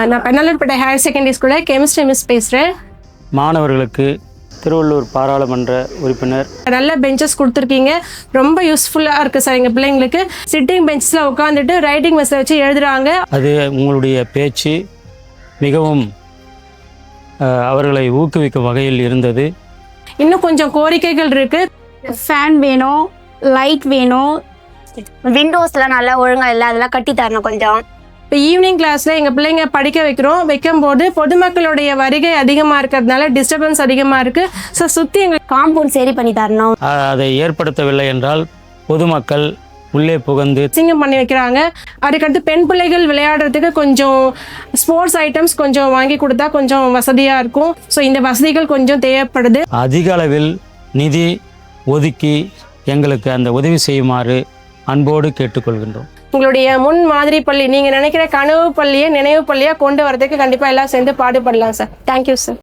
நான் Pennalurpettai higher secondary ஸ்கூலில் chemistry miss பேசுகிறேன். மாணவர்களுக்கு திருவள்ளூர் பாராளுமன்ற உறுப்பினர் நல்ல பெஞ்சஸ் கொடுத்துருக்கீங்க, ரொம்ப யூஸ்ஃபுல்லாக இருக்குது சார். எங்கள் பிள்ளைங்களுக்கு சிட்டிங் பெஞ்சில் உட்காந்துட்டு ரைட்டிங் மெஸ்ஸை வச்சு எழுதுகிறாங்க. அது உங்களுடைய பேச்சு மிகவும் அவர்களை ஊக்குவிக்கும் வகையில் இருந்தது. இன்னும் கொஞ்சம் கோரிக்கைகள் இருக்குது. ஃபேன் வேணும், லைட் வேணும், விண்டோஸ்லாம் நல்லா ஒழுங்காக இல்லை, அதெல்லாம் கட்டி தரணும் கொஞ்சம். இப்போ ஈவினிங் கிளாஸில் எங்கள் பிள்ளைங்க படிக்க வைக்கும்போது பொதுமக்களுடைய வருகை அதிகமாக இருக்கிறதுனால டிஸ்டர்பன்ஸ் அதிகமாக இருக்குது. ஸோ சுற்றி எங்களுக்கு காம்பவுண்ட் சரி பண்ணி தரணும். அதை ஏற்படுத்தவில்லை என்றால் பொதுமக்கள் உள்ளே புகுந்து சிங்கம் பண்ணி வைக்கிறாங்க. அதுக்கடுத்து பெண் பிள்ளைகள் விளையாடுறதுக்கு கொஞ்சம் ஸ்போர்ட்ஸ் ஐட்டம்ஸ் கொஞ்சம் வாங்கி கொடுத்தா கொஞ்சம் வசதியாக இருக்கும். ஸோ இந்த வசதிகள் கொஞ்சம் தேவைப்படுது. அதிக அளவில் நிதி ஒதுக்கி எங்களுக்கு அந்த உதவி செய்யுமாறு அன்போடு கேட்டுக்கொள்கின்றோம். உங்களுடைய முன் மாதிரி பள்ளி, நீங்கள் நினைக்கிற கனவு பள்ளியை நினைவு பள்ளியாக கொண்டு வரதுக்கு கண்டிப்பாக எல்லாம் சேர்ந்து பாடுபடலாம் சார். Thank you sir.